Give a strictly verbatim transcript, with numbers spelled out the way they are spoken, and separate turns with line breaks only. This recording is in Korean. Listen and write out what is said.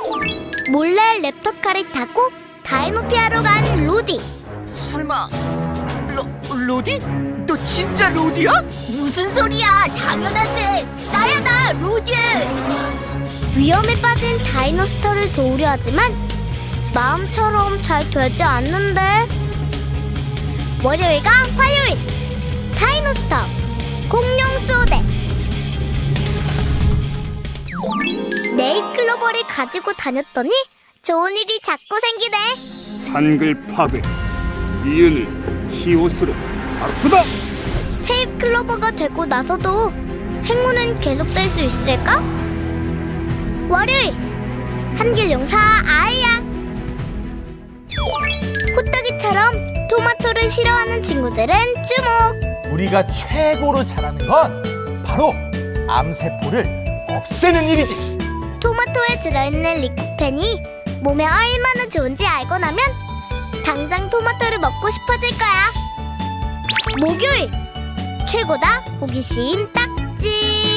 몰래 랩터카를 타고 다이노피아로 간 로디.
설마 로, 로디? 너 진짜 로디야?
무슨 소리야? 당연하지. 나야 나 로디. 위험에 빠진 다이노스터를 도우려 하지만 마음처럼 잘 되지 않는데. 월요일과 화요일 다이노스터 공룡 수호대. 네잎클로버를 가지고 다녔더니 좋은 일이 자꾸 생기네.
한글 파괴 이윤을 히오스로 바꾸다.
세잎클로버가 되고 나서도 행운은 계속될 수 있을까? 월요일 한길용사 아이야. 호떡이처럼 토마토를 싫어하는 친구들은 주목.
우리가 최고로 잘하는 건 바로 암세포를 없애는 일이지.
토마토에 들어있는 리코펜이 몸에 얼마나 좋은지 알고 나면 당장 토마토를 먹고 싶어질 거야. 목요일 최고다 호기심 딱지.